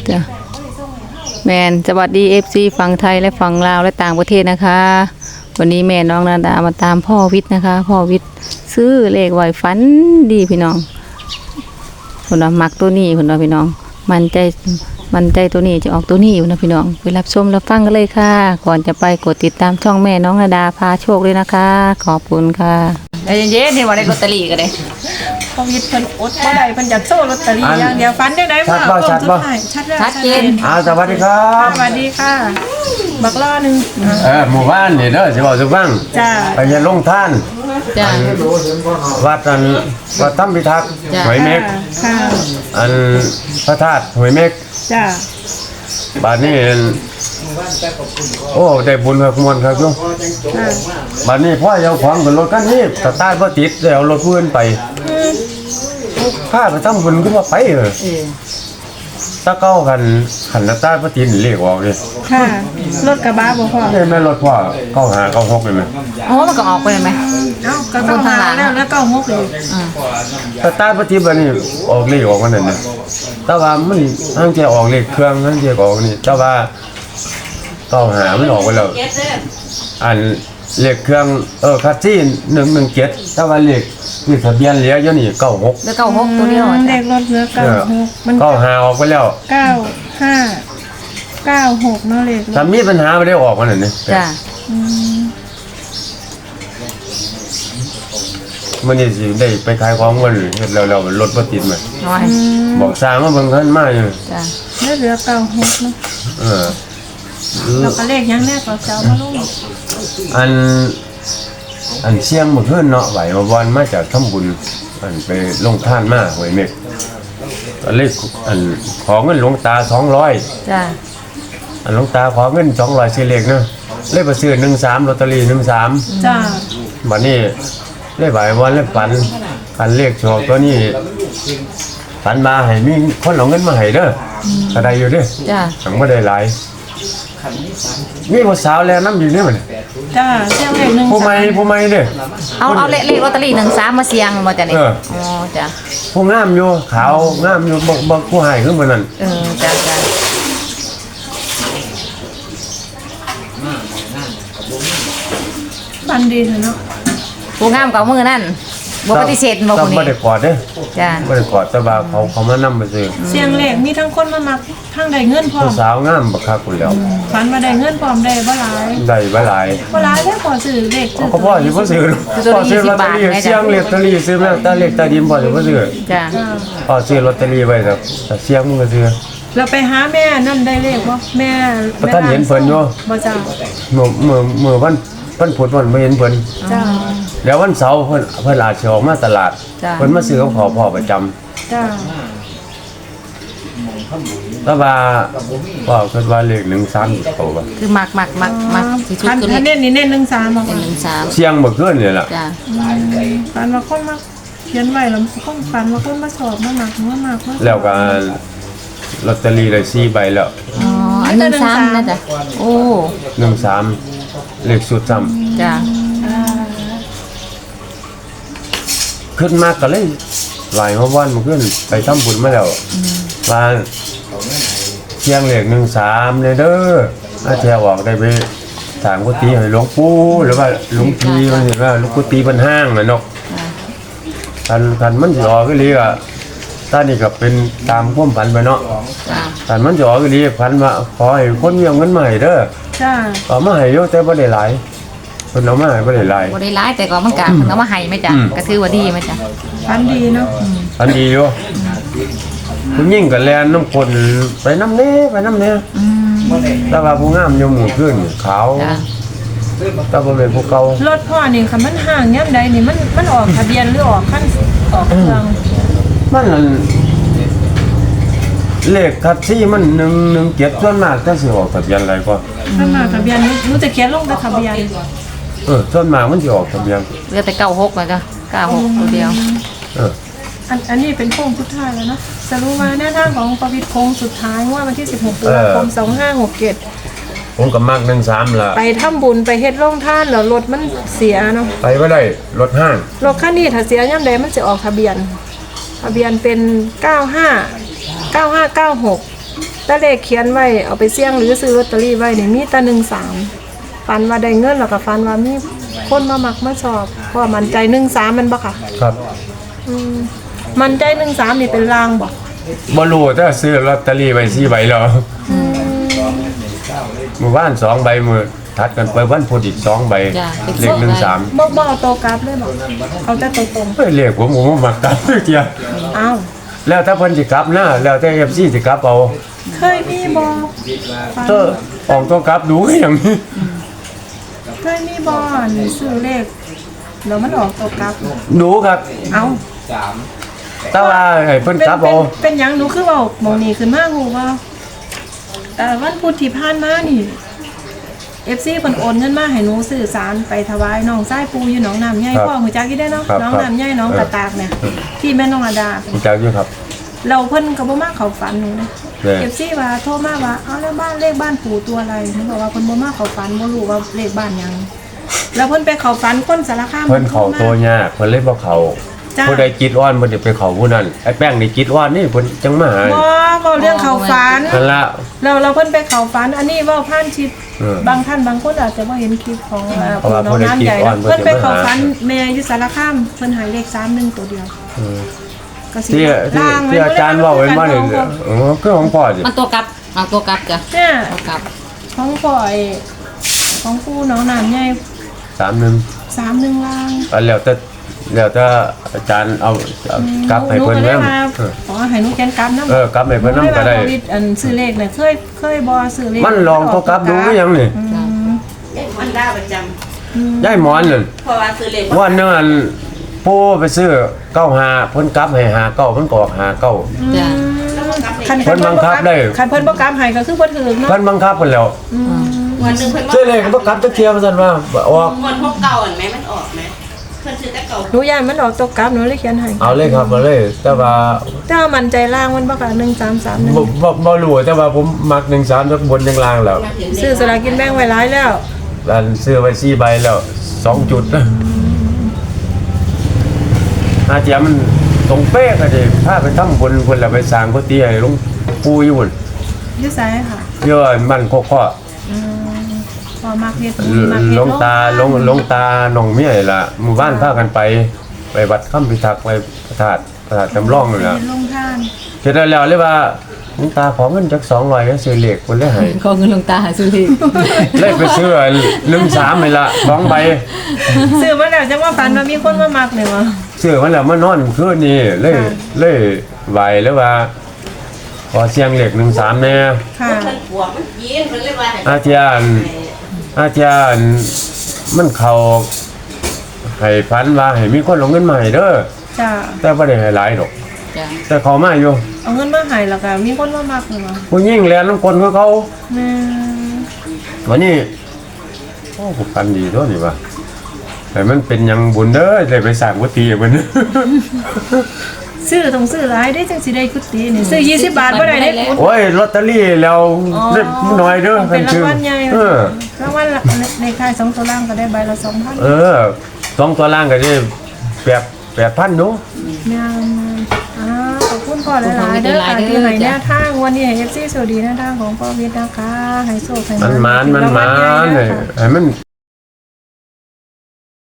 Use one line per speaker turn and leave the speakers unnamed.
จ้ะแมนสวัสดี FC ฝั่งไทยและฝั่งลาวและต่างประเทศนะคะ วันนี้แม่น้องนาดามาตามพ่อวิทย์นะคะพ่อวิทย์ซื้อเลขไว้ฝันดีพี่น้องคนว่ามักตัวนี้คนว่าพี่น้องมันใจตัวนี้จะออกตัวนี้อยู่นะพี่น้องไปรับชมรับฟังกันเลยค่ะก่อนจะไปกดติดตามช่องแม่น้องนาดาพาโชคเลยนะคะขอบคุณค่ะเย็นๆนี่ว่าได้ลอตเตอรี่กันเลย
โควิดเพิ่นอดบ่ได้เพิ่นอยากโซ่ลอตเตอรี่อย่างเดียวฟันได้มาชัดแล้ว
ชัดเจน
สวัสดีครับ
สวัสดีค่ะบักล้อนึง
หมู่บ้านนี่เด้อสิบอกสิฟัง
จ้า
ไปเฮ็ดลงท่าน
จ้ะ
วัดถ้ำพิทักษ์หอยเม็ก
ค่ะ
อันพระธาตุหอยเม็ก
จ้า
บัดนี้โอ้ได้บุญครับมวลครับโยม
ค่ะ
บัดนี้พ่อเอาของขึ้นรถคันนี้สตาร์ทบ่ติดเลยเอารถเพื่อนไปพาไปทำบุญขึ้นมาไปถ้าเก้ากันขันสตาร์ทบ่ติดนี่เลขออกเลย
ค่ะรถกระบะบ่พ่อ
นี่แม่รถพ่อ9596เลยแม่
โอ้มันก็ออกไปเลยไหม
เอ้าก็ต้องหาแล้วก็งกเลย
สตาร์ทบ่ติดบัดนี้ออกเลขออกมันนั่นน่ะแต่ว่ามันทั้งจะออกเลขเครื่องทั้งจะออกนี่แต่ว่า95มันออกไปแล้วอันเลขเครื่องคัสซี่117แต่ว่าเลขที่ทะเบียนเหลืออยู่นี่96
แล้วก็6ตัวเดียว
เล
จ้ะ
ขรถเหลือ96มัน
95ออกไปแล้ว
9596เนาะเลขรถ
ถ้ามีปัญหาบ่ได้ออกมันนั่นนี่
จ้ะ
มื้อนี้สิได้ไปขายของมื้อนี้เฮ็ดแล้วรถบ่ติดมา
น้อย
บอกสร้างมาเบิ่งคันมาอยู่
จ้ะ
เหลือ96เนาะ
เออ
แล้วก็เลขยังแน่ก็จะเอามาลง
อันเสียงเมื่อคืนเนาะไหวมาวันมาจากทำบุญอันไปลงท่านมาหวยเมกก็เลยอันขอเงินหลวงตา200
จ้ะ
อันหลวงตาขอเงิน200สิเลขเนาะเลยไปซื้อ13ลอตเตอรี่13
จ้า
บัดนี้เลยไหววันเลยฝันเลขโชคตัวนี้ฝันมาให้มีคนเอาเงินมาให้เด้อก็ได้อยู่เด้อ
จ้ะ
ถังบ่ได้หลายมีผู้สาวแล้วนำอยู่นี่มัน
จ้าเสียงเลข1
ผู้ใหม่เด้อ
เอาเลขลอตเตอรี่13มาเสี่ยงบ่จ้ะนี่อ๋อจ้ะ
ผู้งามอยู่ขาวงามอยู่บ่ผู้ให้คือมื้อนั้น
จ้ะจ้ะ
ฟันดีเนาะ
ผู้งามกับมือนั่นบ่ปฏิเสธบ่
ต้
ผู้
อง
นี้
บ่ได้กอดเด้
จ้ะ
บ่ได้กอดแต่ว่าเขามานำไปซื้อ
เสียงเลขมีทั้งคนมามักทั้งได้เงินพร้อ
ผู้
ม
สาวงามบักคักพุ่นแล้ว
ฝันมาได้เงินพร้อมได้บ่หลาย
ได้บ่หลาย
บ่หลายได้พอซื้อเลขซื้อ
ก็พ่อสิบ่ซื้อพ่อซื้อลอตเตอรี่เสียงลอตเตอรี่ซื้อแม่ตาเลขตาดินพ่อสิบ่ซื้อ
จ้ะ
พ่อซื้อลอตเตอรี่ไว้แต่เสียงมึงก็ซื้อ
เราไปหาแม่นั่นได้เลขบ่แม่
บ่ทันเห็นเพิ่นอยู่
บ่จ้า
มื้อวันพุธวันบ่เห็นเพิ่น
จ้า
แล้ววันเสาร์เพิ่นอาจสิออกมาตลาดเพิ่นมาซื้อกับพ่อประจำ
จ้า
แต่ว่าพ่อคิดว่าเลข13เขาว่า
คือมักที่สุด
คัน
คือเลข
เน้นนี่เน้น13บ่
13
เสียงเมื่อคืนนี่ล่ะ
จ้ะ
ฝันว่าคนมาเขียนไว้แล้วคนฝันว่าคนมาสอบมาหนักมา
แล้วก็ลอตเตอรี่ได้4ใบแล้ว
อ๋ออัน13นะจ้ะโอ้
13เลขสุดซ้ำ
จ้ะ
ขึ้นมากก็เลยหลายวันมันขึ้นไปทำบุญมาแล้วว่าเที่ยงเลข13เลยเด้ออาแทออกได้ไปถามกุฏิให้หลวงปู่หรือว่าหลวงพี่มันเห็นว่าหลวงกุฏิมันห้างน่ะเนาะคันมันสิออกก็เลยอ่ะตอนนี้ก็เป็นตามความฝันไปเนาะ
จ้ะ
คันมันสิออกก็เลยฝันว่าขอให้คนมีเอาเงินมาให้เด้อ
จ้า
เอามาให้อยู่แต่บ่ได้หลายเพิ่นเอามาให้บ่ได้หลาย
บ่ได้ร้ายแต่ก็มันก็เอามาให้ไหมจ้ะก็ถือว่าดีไหมจ้ะ
ฝันดีเนาะ
อันดีอยู่ผู้หญิงก็แลนน้ำคนไปน้ำเน่แต่ว่าผู้งามอยู่หมู่ขึ้นขาว
จ้ะ
แต่บ่เป็นผู้เก่าร
ถพ่อนี่ค่ะมันห่างย่ำใดนี่มันออกทะเบียนหรือออกขั้นออกเครื่อง
มันนั่นเลขคัดซี่มัน117ส่วนมากจะสิออกทะเบียนอะไรก็
ถ้ามาทะเบียนรู้จะเขียนลงแต่ทะเบียน
ส่วนมากมันสิออกทะเบียน
เหลือแต่96แล้วจ้ะ96ตัวเดียว
เออ
อันนี้เป็นโค้งสุดท้ายแล้วเนาะสรุปว่าแนวทางของประวิตรโค้งสุดท้ายว่าวันที่16ตุลาคม2567
ผมก็มัก13ล่ะ
ไปทำบุญไปเฮ็ดโรงทานแล้วรถมันเสียเนาะ
ไปบ่ได้รถห้าง
รถคันนี้ถ้าเสียย่ำใดมันจะออกทะเบียนเป็น95 9596 แต่เลขเขียนไว้เอาไปเสี่ยงหรือซื้อลอตเตอรี่ไว้นี่มีแต่13ฟันว่าได้เงินแล้วก็ฟันว่ามีคนมามักมาชอบเพราะว่ามันใจ13มันบ่ค่ะ
ครับ
มันใจ13นี่เป็นลางบ่
บ่รู้แต่ซื้อลอตเตอรี่ไว้4ใบแล้วเมื่อวาน2ใบมื้อถัดกันไปวันพุธอีก2ใบ
จ้ะ
เลข13
บ่เอาตัวกลับเลยบ่เอาแต่ตัวตรง
เฮ้ยเลขผมบ่มักกลับเที่ย
อ้าว
แล้วถ้าเพิ่นสิกลับนะแล้วแต่ FC สิกลับเอา
เคยมีบ่ฟัน
เออออกตัวกลับดูอย่างนี้
เคยมีบ่นี่ซื้อเลขแล้วมันออกตัวกลับ
ดูครับ
เอ้า
แต่ว่าให้เพิ่นกลับเอา
เป็นหยังหนูคือเว้าหมองนี้ขึ้นมาฮู้ว่าวันพุธที่ผ่านมานี่ FC เพิ่นโอนเงินมาให้หนูซื้อสารไปถวายน้องชายปู่อยู่หนองน้ำใหญ่พ่อฮู้จักอยู่ได้เนาะน้องน้ำใหญ่น้องกระตากเนี่ยที่แม่น้องระดา
รู้จักอยู่ครับ
เราเพิ่นก็บ่มาเข้าฝันหนูนะ
แม่
FC ว่าโทรมาว่าเอาแล้วบ้านเลขบ้านปู่ตัวอะไรหนูบอกว่าเพิ่นบ่มาเข้าฝันบ่รู้ว่าเลขบ้านหยังแล้วเพิ่นไปเข้าฝันคนสารคาม
เพิ่นเข้าตัวยากเพิ่นเลยบ่เข้า
จ้า
ผู้ใดจิตอ่อนเพิ่นสิไปเข้าผู้นั้นไอ้แป้งนี่จิตอ่อนนี่เพิ่นจังมาหา
บ่เรื่องเข้าฝัน
นั่นละ
เราเพิ่นไปเข้าฝันอันนี้เว้าผ่านชิป
เออบ
างท่านบางคนอาจจะบ่เห็นคลิปของ
เพราะว่า
น้องน้ำใหญ่
เพิ่
เพิ่
น
น
ได้
ไป
คลิปอ่อน
เข้าฝัน
เพิ่นจะมาหา
แม่อยู่สารคามเพิ่นใหายเลข31ตัวเดียว
เออ
ก็สิ
ที่อาจารย์เว้าไว้มานี่คือของพ่อสิ
มันตัวกลับเอาตัวกลับจ้ะ
เนี่ย
ตัวกลับ
ของพ่อไอ้ของปู่น้องน้ำใหญ่
31
31ล่าง
แล้วแต่อาจารย์เอากลับให้เพิ่น
ห
แม่
ก็ลยว่าขอให้หนูแกนกลับนำ
กลับให้เพิ่นนำก็ได้
โควิดอันซื้อเลขเนี่ยเคยบ่ซื้อเลข
มันลองตัวกลับดูคือหยังนี่
มันได้ประจ
ยายหมอนนั่น
ำเพราะว่าซื้อเลข
วันนึงอันปู่ไปซื้อ95เพิ่นกลับให้59มันก็ออก59
จ้ะ
คัน
เพิ่นบังคับได้
คันเพิ่นบ่กลับให้ก็คือบ่ถูกเนาะ
เพิ่นบังคับเพิ่นแล้ว
วันหนึ่งเพิ่น
ซื้อเลขบ่กลับจักเที่ยว่าซั่นว่าออก
เงินพวกเก่าเห็นไหมมันออกไหมเพิ่นซื้อแต่เก่า
หนูย่านมันออกตกกลับหนูเลยเขียนให้
เอาเลยครับมาเลย แต่ว่า
ถ้ามันใจล่างมันบ่ค่ะ1331
บ่รู้แต่ว่าผมมัก13จักบนจังล่างแล้ว
ซื้อสลากกินแบ่งไว้หลายแล้ว
อันซื้อไว้4ใบแล้ว2จุดอาเจียมันตรงเป๊ะก็สิพาไปทำบุญเพิ่นแล้วไปสร้างกุฏิให้หลวงปู่อยู่พุ่น
อยู่ไสค่ะ
เยอะมันโคข้อ
พอมักเฮ็ดบุญมักเฮ็ด
หลวงตาหลวงตาหนองเมียนี่ล่ะหมู่บ้านพากันไปวัดค่ำพิทักษ์ไปพระธาตุจำลองนั่นล่ะ
ลงทาน
เสร็จแล้วเลยว่าหลวงตาขอเงินจัก200แล้วซื้อเลขเพิ่นเลยให้
ขอเงินหลวงตาหาซื้อที่
เลยไปซื้อ13นี่ล่ะ2ใบ
ซื้อมาแล้วจังว่าฝันว่ามีคนมามักเนี่ยวะ
ซื้อมันแล้วมานอนคืนนี้เลยไหวแล้วว่าขอเสียงเลข13แน่
ค่ะ
เพิ่นปวกมันกินเพิ่นเลยว่าให้
อาจารย์มันเข้าให้พันว่าให้มีคนลงเงินมาให้เด้อ
จ้า
แต่บ่ได้ให้หลายดอก
จ้ะ
แต่เขามาอยู่
เอาเงินมาให้แล้วก็มีคนมามักเนี่ยวะ
ผู้หญิงแลนน้ำคนของเขา
แม่
วันนี้โอ้ผูกพันดีตัวนี่ว่าแต่มันเป็นหยังบุญเด้อได้ไปสร้างกุฏิให้เพิ่น
ซื้อต้องซื้อหลายได้จังสิได้กุฏินี่ซื้อ20บาทบ่ได้ได้กุฏิ
โอ้ยลอตเตอรี่แล้วได้น้อยเด้อ
เป็นรางวัลใหญ่
เออ
รางวัลในค่าย2ตัวล่างก็ได้ใบละ 2,000
เออ2ตัวล่างก็ได้8,000เนาะ
แม่ขอบคุณพ่อหลายๆเด้อค่ะที่ให้แนวทางวันนี้ให้ FC สวัสดีแนวทางของพ่อวิทย์นะคะให้โชคให้
มัน
รางวัลใหญ่
ให้มัน